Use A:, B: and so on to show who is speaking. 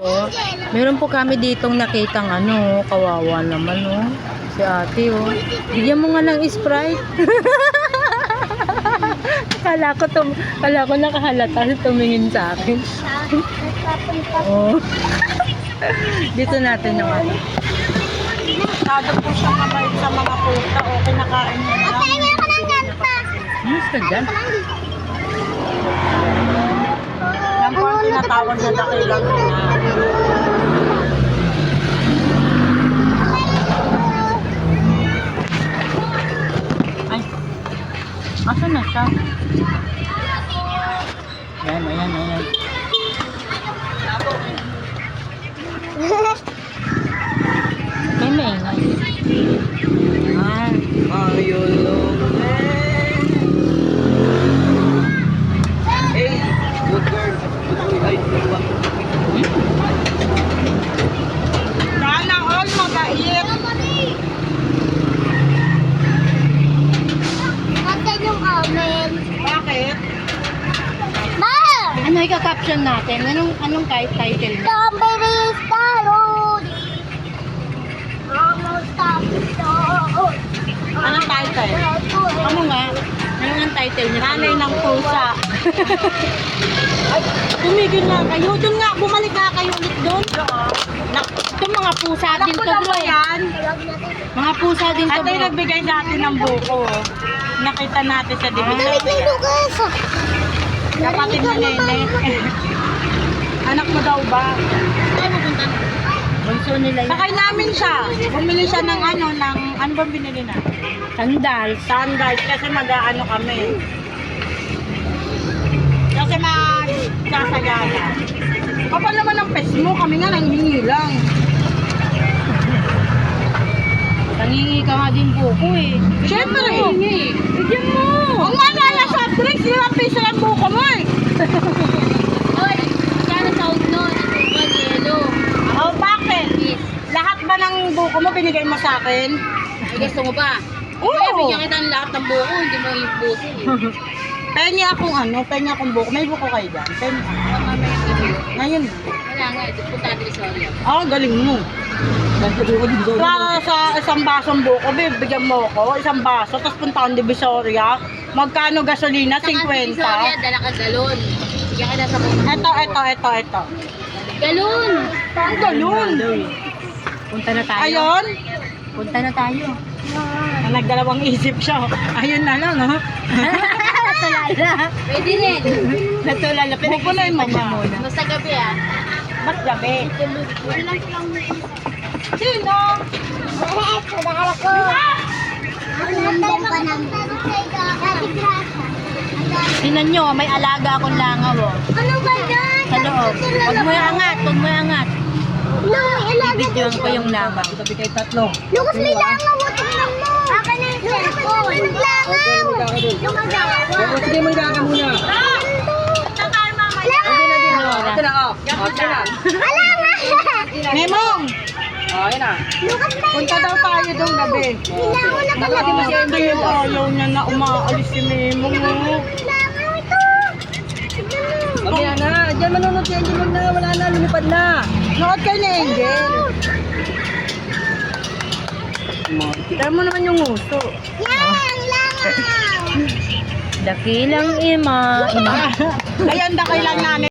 A: Oh, meron po kami ditong nakitang ano, kawawa naman oh. Si ate oh. Bigyan mo nga ng Sprite. kala ko nakahalata tumingin sa akin. Oh. Dito natin yung ano.
B: Masyado po siyang mabait sa mga puta o kinakain niya lang.
C: Okay, meron ka ng ganta.
A: Mas ka dyan?
B: Yan po ang tinatawag na dakilang ina.
A: Ay. Asa na siya? Ayan. May maingay.
B: Ayun. Hey, good girl. Sana all mabait.
C: Nasaan yung amen?
B: Bakit?
C: Ma!
A: Ano ika-caption natin? Anong title niya?
C: Strawberry salad. Almost stop the
B: Anong title?
A: Ano nga? Ano ang title niya?
B: Nanay ng pusa. Ay, tumigil na kayo. Doon nga, bumalik nga kayo ulit doon.
A: Ito mga pusa
B: Alam
A: din
B: ko
A: to
B: na
A: bro.
B: ba yan?
A: Mga pusa din to
B: Ito yung
A: bro.
B: nagbigay sa atin ng buko. Nakita natin sa
C: Lamig
B: division.
C: na Lucas.
B: Kapatid ni Nene. Anak mo daw ba?
A: Bunso nila yun.
B: Sakay namin siya. Bumili siya ng ano bang binili na?
A: Sandals.
B: Sandals kasi mag-ano kami. Kasi mag-sasagana. Kapal naman ang pes mo, kami nga nanghingi lang.
A: Tangingi ka nga din buko eh.
B: Siyempre.
A: Bigyan mo.
B: Ang mga na soft drinks, 5 piso lang buko mo eh.
C: Oy, magkano taon nun? Ito yelo.
B: Oh, bakit? Lahat ba ng buko mo binigay mo sa akin?
A: Gusto mo ba?
B: Oo.
A: kita ng lahat ng buko. Hindi mo yung buko eh.
B: Pengi akong buko. May buko kayo dyan. Pengi ako. Ngayon.
A: Wala nga. Ito punta din sa Oreo.
B: Galing mo. Sa isang basong buko, bibigyan mo ko. Isang baso, tapos punta akong Divisoria. Magkano gasolina? 50.
A: Dala ka galon. Bigyan kita sa mga.
B: Ito.
A: Galon!
B: Ang galon.
A: Punta na tayo.
B: Ayun.
A: Punta na tayo.
B: Nagdalawang isip siya. Ayun na lang, ha?
A: Natulala. Pwede rin. Natulala.
B: Bukunin mo ba?
A: Basta gabi ah.
B: Ba't gabi? Sino?
C: Pagkakala ko. Nandang pa ng
A: Tingnan nyo, may alaga akong langaw oh.
C: Ano ba yan?
A: Sa loob. Huwag mo iangat.
C: No, ilaga
A: Bibidyoan ko yung langaw.
C: Lucas, may langaw. Tingnan mo. Akin na yung cellphone. Langaw. Yung magawa.
B: Sige, magkaka muna.
C: Langaw.
B: Ito na, oh.
C: Alangaw.
B: Memong! Ayun na.
C: Lucas, may
B: Punta daw tayo doon gabi.
C: langaw na pala.
B: Hindi yung ayaw niya na umaalis si Memong.
C: Langaw ito. Tingnan mo.
B: Mamaya na. Diyan manonood si Angel na. Wala na. Lumipad na. Nood kayo ni Angel. Kita mo naman yung uso.
C: Yan, langaw.
A: Dakilang ima.
B: Ayan, dakilang namin.